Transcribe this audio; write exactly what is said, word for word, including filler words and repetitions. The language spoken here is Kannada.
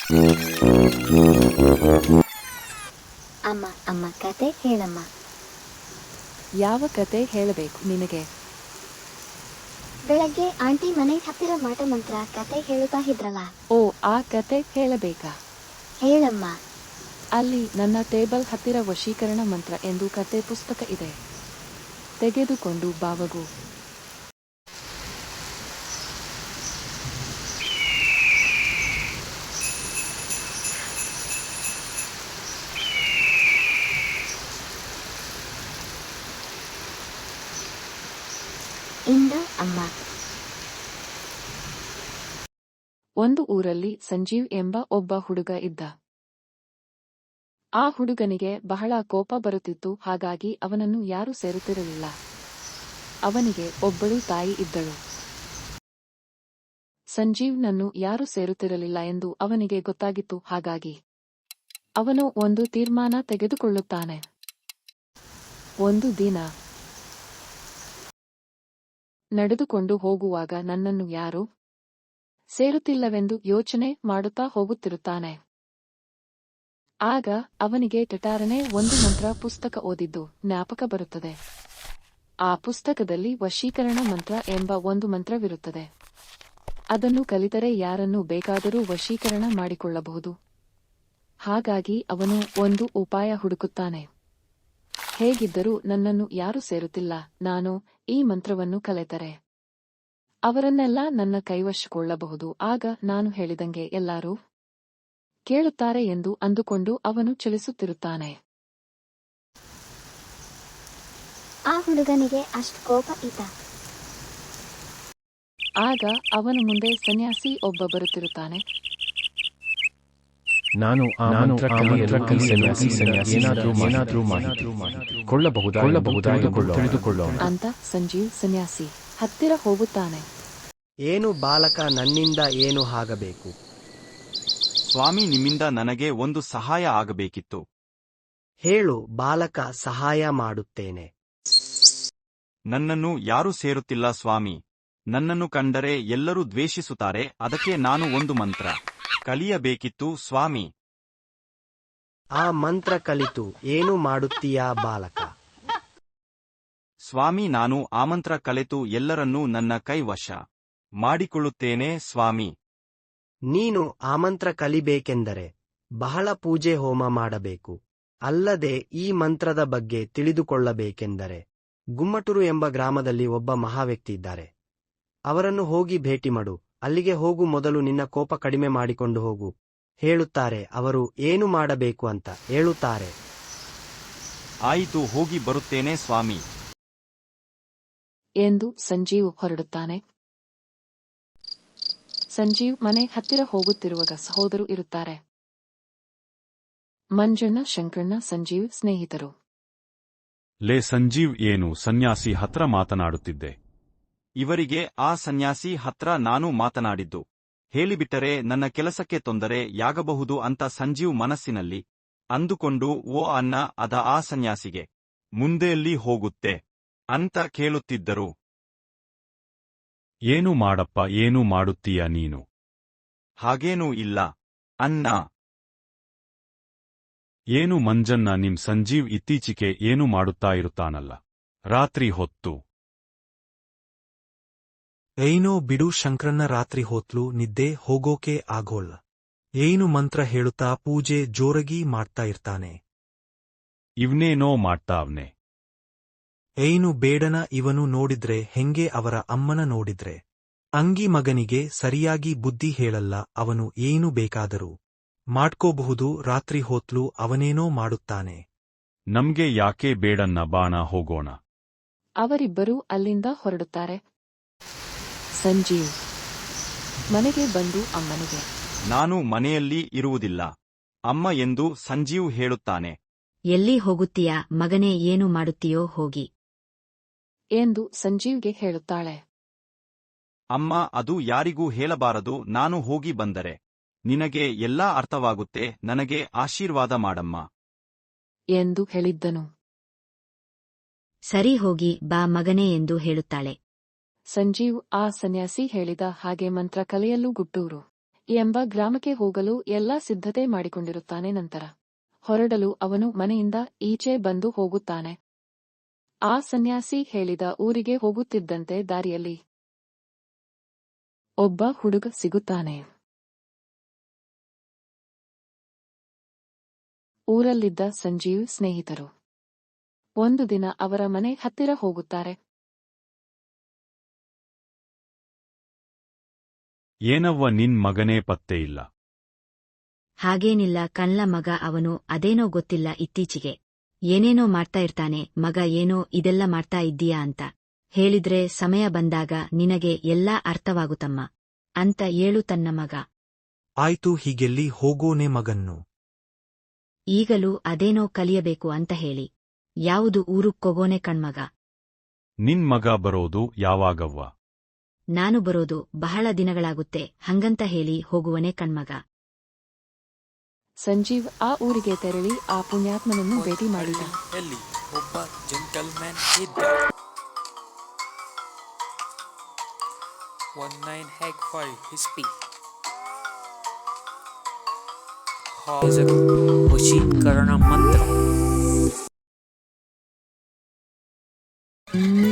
ಅಮ್ಮ ಅಮ್ಮ ಕತೆ ಹೇಳಮ್ಮ. ಯಾವ ಕತೆ ಹೇಳಬೇಕು ನಿನಗೆ? ಬೆಳಗ್ಗೆ ಆಂಟಿ ಮನೆ ಹತ್ತಿರ ಮಾಟ ಮಂತ್ರ ಕತೆ ಹೇಳುತ್ತಾ ಇದ್ರಲ್ಲ. ಓ, ಆ ಕತೆ ಹೇಳಬೇಕಾ? ಹೇಳಮ್ಮ. ಅಲ್ಲಿ ನನ್ನ ಟೇಬಲ್ ಹತ್ತಿರ ವಶೀಕರಣ ಮಂತ್ರ ಎಂದು ಕತೆ ಪುಸ್ತಕ ಇದೆ. ತೆಗೆದುಕೊಂಡು ಬಾವಗು. ಇಂದ ಅಮ್ಮ. ಒಂದು ಊರಲ್ಲಿ ಸಂಜೀವ್ ಎಂಬ ಒಬ್ಬ ಹುಡುಗ ಇದ್ದ. ಆ ಹುಡುಗನಿಗೆ ಬಹಳ ಕೋಪ ಬರುತ್ತಿತ್ತು. ಹಾಗಾಗಿ ಅವನನ್ನು ಯಾರೂ ಸೇರುತ್ತಿರಲಿಲ್ಲ. ಅವನಿಗೆ ಒಬ್ಬಳು ತಾಯಿ ಇದ್ದಳು. ಸಂಜೀವ್ನನ್ನು ಯಾರೂ ಸೇರುತ್ತಿರಲಿಲ್ಲ ಎಂದು ಅವನಿಗೆ ಗೊತ್ತಾಗಿತ್ತು. ಹಾಗಾಗಿ ಅವನು ಒಂದು ತೀರ್ಮಾನ ತೆಗೆದುಕೊಳ್ಳುತ್ತಾನೆ. ಒಂದು ದಿನ ನಡೆದುಕೊಂಡು ಹೋಗುವಾಗ ನನ್ನನ್ನು ಯಾರೂ ಸೇರುತ್ತಿಲ್ಲವೆಂದು ಯೋಚನೆ ಮಾಡುತ್ತಾ ಹೋಗುತ್ತಿರುತ್ತಾನೆ. ಆಗ ಅವನಿಗೆ ಟಟಾರನೆ ಒಂದು ಮಂತ್ರ ಪುಸ್ತಕ ಓದಿದ್ದು ಜ್ಞಾಪಕ ಬರುತ್ತದೆ. ಆ ಪುಸ್ತಕದಲ್ಲಿ ವಶೀಕರಣ ಮಂತ್ರ ಎಂಬ ಒಂದು ಮಂತ್ರವಿರುತ್ತದೆ. ಅದನ್ನು ಕಲಿತರೆ ಯಾರನ್ನು ಬೇಕಾದರೂ ವಶೀಕರಣ ಮಾಡಿಕೊಳ್ಳಬಹುದು. ಹಾಗಾಗಿ ಅವನು ಒಂದು ಉಪಾಯ ಹುಡುಕುತ್ತಾನೆ. ಹೇಗಿದ್ದರೂ ನನ್ನನ್ನು ಯಾರೂ ಸೇರುತ್ತಿಲ್ಲ, ನಾನು ಈ ಮಂತ್ರವನ್ನು ಕಲಿತರೆ ಅವರನ್ನೆಲ್ಲ ನನ್ನ ಕೈವಶಕೊಳ್ಳಬಹುದು. ಆಗ ನಾನು ಹೇಳಿದಂಗೆ ಎಲ್ಲರೂ ಕೇಳುತ್ತಾರೆ ಎಂದು ಅಂದುಕೊಂಡು ಅವನು ಚಲಿಸುತ್ತಿರುತ್ತಾನೆ. ಆ ಹುಡುಗನಿಗೆ ಅಷ್ಟು ಕೋಪ ಇದ್ದ. ಆಗ ಅವನ ಮುಂದೆ ಸನ್ಯಾಸಿ ಒಬ್ಬ ಬರುತ್ತಿರುತ್ತಾನೆ. ನಾನು ಆ ಮಂತ್ರ ಕಲಿಯಲು ಈ ಸನ್ಯಾಸಿ ಸನ್ಯಾಸಿ ಏನಾದರೂ ಏನಾದರೂ ಮಾಹಿತಿ ಕೊಳ್ಳಬಹುದಾ ತಿಳಿದುಕೊಳ್ಳೋಣ ಅಂತ ಸಂಜೀವ್ ಸನ್ಯಾಸಿ ಹತ್ತಿರ ಹೋಗುತ್ತಾನೆ. ಏನು ಬಾಲಕ, ನನ್ನಿಂದ ಏನು ಆಗಬೇಕು? ಸ್ವಾಮಿ, ನಿಮ್ಮಿಂದ ನನಗೆ ಒಂದು ಸಹಾಯ ಆಗಬೇಕಿತ್ತು. ಹೇಳು ಬಾಲಕ, ಸಹಾಯ ಮಾಡುತ್ತೇನೆ. ನನ್ನನ್ನು ಯಾರೂ ಸೇರುತ್ತಿಲ್ಲ ಸ್ವಾಮಿ. ನನ್ನನ್ನು ಕಂಡರೆ ಎಲ್ಲರೂ ದ್ವೇಷಿಸುತ್ತಾರೆ. ಅದಕ್ಕೆ ನಾನು ಒಂದು ಮಂತ್ರ ಕಲಿಯಬೇಕಿತ್ತು ಸ್ವಾಮಿ. ಆ ಮಂತ್ರ ಕಲಿತು ಏನು ಮಾಡುತ್ತೀಯಾ ಬಾಲಕ? ಸ್ವಾಮಿ, ನಾನು ಆ ಮಂತ್ರ ಕಲಿತು ಎಲ್ಲರನ್ನೂ ನನ್ನ ಕೈವಶ ಮಾಡಿಕೊಳ್ಳುತ್ತೇನೆ ಸ್ವಾಮಿ. ನೀನು ಆ ಮಂತ್ರ ಕಲಿಬೇಕೆಂದರೆ ಬಹಳ ಪೂಜೆ ಹೋಮ ಮಾಡಬೇಕು. ಅಲ್ಲದೆ ಈ ಮಂತ್ರದ ಬಗ್ಗೆ ತಿಳಿದುಕೊಳ್ಳಬೇಕೆಂದರೆ ಗುಮ್ಮಟೂರು ಎಂಬ ಗ್ರಾಮದಲ್ಲಿ ಒಬ್ಬ ಮಹಾವ್ಯಕ್ತಿ ಇದ್ದಾರೆ. ಅವರನ್ನು ಹೋಗಿ ಭೇಟಿ ಮಾಡು. ಅಲ್ಲಿಗೆ ಹೋಗು ಮೊದಲು ನಿನ್ನ ಕೋಪ ಕಡಿಮೆ ಮಾಡಿಕೊಂಡು ಹೋಗು. ಹೇಳುತ್ತಾರೆ ಅವರು ಏನು ಮಾಡಬೇಕು ಅಂತ ಹೇಳುತ್ತಾರೆ. ಆಯಿತು, ಹೋಗಿ ಬರುತ್ತೇನೆ ಸ್ವಾಮಿ ಎಂದು ಸಂಜೀವ್ ಹೊರಡುತ್ತಾನೆ. ಸಂಜೀವ್ ಮನೆ ಹತ್ತಿರ ಹೋಗುತ್ತಿರುವಾಗ ಸಹೋದರು ಇರುತ್ತಾರೆ. ಮಂಜಣ್ಣ, ಶಂಕರಣ್ಣ ಸಂಜೀವ್ ಸ್ನೇಹಿತರು. ಲೇ ಸಂಜೀವ್, ಏನು ಸನ್ಯಾಸಿ ಹತ್ರ ಮಾತನಾಡುತ್ತಿದ್ದೆ? ಇವರಿಗೆ ಆ ಸನ್ಯಾಸಿ ಹತ್ರ ನಾನು ಮಾತನಾಡಿದ್ದು ಹೇಳಿಬಿಟ್ಟರೆ ನನ್ನ ಕೆಲಸಕ್ಕೆ ತೊಂದರೆಯಾಗಬಹುದು ಅಂತ ಸಂಜೀವ್ ಮನಸ್ಸಿನಲ್ಲಿ ಅಂದುಕೊಂಡು, ಓ ಅನ್ನ, ಅದ ಆ ಸನ್ಯಾಸಿಗೆ ಮುಂದೆಯಲ್ಲಿ ಹೋಗುತ್ತೆ ಅಂತ ಕೇಳುತ್ತಿದ್ದರು. ಏನು ಮಾಡಪ್ಪ, ಏನು ಮಾಡುತ್ತೀಯ ನೀನು? ಹಾಗೇನೂ ಇಲ್ಲ ಅನ್ನ. ಏನು ಮಂಜನ್ನ, ನಿಮ್ ಸಂಜೀವ್ ಇತ್ತೀಚಿಗೆ ಏನು ಮಾಡುತ್ತಾ ಇರುತ್ತಾನಲ್ಲ ರಾತ್ರಿ ಹೊತ್ತು? ಏನೋ ಬಿಡು ಶಂಕ್ರನ್ನ, ರಾತ್ರಿ ಹೊತ್ಲು ನಿದ್ದೆ ಹೋಗೋಕೆ ಆಗೋಲ್ಲ. ಏನು ಮಂತ್ರ ಹೇಳುತ್ತಾ ಪೂಜೆ ಜೋರಗಿ ಮಾಡ್ತಾ ಇರ್ತಾನೆ. ಇವ್ನೇನೋ ಮಾಡ್ತಾವ್ನೆ. ಏನು ಬೇಡನ ಇವನು ನೋಡಿದ್ರೆ ಹೆಂಗೆ ಅವರ ಅಮ್ಮನ ನೋಡಿದ್ರೆ. ಅಂಗಿ ಮಗನಿಗೆ ಸರಿಯಾಗಿ ಬುದ್ಧಿ ಹೇಳಲ್ಲ ಅವನು. ಏನು ಬೇಕಾದರೂ ಮಾಡ್ಕೋಬಹುದು. ರಾತ್ರಿ ಹೊತ್ಲು ಅವನೇನೋ ಮಾಡುತ್ತಾನೆ. ನಮ್ಗೆ ಯಾಕೆ ಬೇಡನ್ನ, ಬಾಣ ಹೋಗೋಣ. ಅವರಿಬ್ಬರೂ ಅಲ್ಲಿಂದ ಹೊರಡುತ್ತಾರೆ. ಸಂಜೀವ್ ಮನೆಗೆ ಬಂದು ಅಮ್ಮನಿಗೆ, ನಾನು ಮನೆಯಲ್ಲಿ ಇರುವುದಿಲ್ಲ ಅಮ್ಮ ಎಂದು ಸಂಜೀವ್ ಹೇಳುತ್ತಾನೆ. ಎಲ್ಲಿ ಹೋಗುತ್ತೀಯಾ ಮಗನೇ, ಏನು ಮಾಡುತ್ತೀಯೋ ಹೋಗಿ ಎಂದು ಸಂಜೀವ್ಗೆ ಹೇಳುತ್ತಾಳೆ. ಅಮ್ಮ, ಅದು ಯಾರಿಗೂ ಹೇಳಬಾರದು. ನಾನು ಹೋಗಿ ಬಂದರೆ ನಿನಗೆ ಎಲ್ಲಾ ಅರ್ಥವಾಗುತ್ತೆ. ನನಗೆ ಆಶೀರ್ವಾದ ಮಾಡಮ್ಮ ಎಂದು ಹೇಳಿದ್ದನು. ಸರಿ ಹೋಗಿ ಬಾ ಮಗನೇ ಎಂದು ಹೇಳುತ್ತಾಳೆ. ಸಂಜೀವ್ ಆ ಸನ್ಯಾಸಿ ಹೇಳಿದ ಹಾಗೆ ಮಂತ್ರ ಕಲಿಯಲು ಗುಟ್ಟೂರು ಎಂಬ ಗ್ರಾಮಕ್ಕೆ ಹೋಗಲು ಎಲ್ಲಾ ಸಿದ್ಧತೆ ಮಾಡಿಕೊಂಡಿರುತ್ತಾನೆ. ನಂತರ ಹೊರಡಲು ಅವನು ಮನೆಯಿಂದ ಈಚೆ ಬಂದು ಹೋಗುತ್ತಾನೆ. ಆ ಸನ್ಯಾಸಿ ಹೇಳಿದ ಊರಿಗೆ ಹೋಗುತ್ತಿದ್ದಂತೆ ದಾರಿಯಲ್ಲಿ ಒಬ್ಬ ಹುಡುಗ ಸಿಗುತ್ತಾನೆ. ಊರಲ್ಲಿದ್ದ ಸಂಜೀವ್ ಸ್ನೇಹಿತರು ಒಂದು ದಿನ ಅವರ ಮನೆ ಹತ್ತಿರ ಹೋಗುತ್ತಾರೆ. ಏನವ್ವ ನಿನ್ ಮಗನೇ ಪತ್ತೆ ಇಲ್ಲ. ಹಾಗೇನಿಲ್ಲ ಕಣ್ಲ ಮಗ ಅವನು ಅದೇನೋ ಗೊತ್ತಿಲ್ಲ ಇತ್ತೀಚಿಗೆ ಏನೇನೋ ಮಾಡ್ತಾ ಇರ್ತಾನೆ. ಮಗ ಏನೋ ಇದೆಲ್ಲ ಮಾಡ್ತಾ ಇದ್ದೀಯಾ ಅಂತ ಹೇಳಿದ್ರೆ ಸಮಯ ಬಂದಾಗ ನಿನಗೆ ಎಲ್ಲಾ ಅರ್ಥವಾಗುತ್ತಮ್ಮ ಅಂತ ಏಳು ತನ್ನ ಮಗ. ಆಯ್ತು ಹೀಗೆಲ್ಲಿ ಹೋಗೋನೆ ಮಗನ್ನು. ಈಗಲೂ ಅದೇನೋ ಕಲಿಯಬೇಕು ಅಂತ ಹೇಳಿ ಯಾವುದು ಊರುಕ್ಕೋಗೋನೆ ಕಣ್ಮಗ. ನಿನ್ ಮಗ ಬರೋದು ಯಾವಾಗವ್ವ? ನಾನು ಬರೋದು ಬಹಳ ದಿನಗಳಾಗುತ್ತೆ ಹಂಗಂತ ಹೇಳಿ ಹೋಗುವನೆ ಕಣ್ಮಗ. ಸಂಜೀವ್ ಆ ಊರಿಗೆ ತೆರಳಿ ಆ ಪುಣ್ಯಾತ್ಮನನ್ನು ಭೇಟಿ ಮಾಡಿದ. ಎಲ್ಲಿ ಒಬ್ಬ ಜೆಂಟಲ್ಮ್ಯಾನ್ ಇದ್ದ. ಒನ್ ನೈನ್ ಹ್ಯಾಗ್ ಫೈವ್ ಹಿಸ್ಪಿ ವಶೀಕರಣ ಮಂತ್ರ.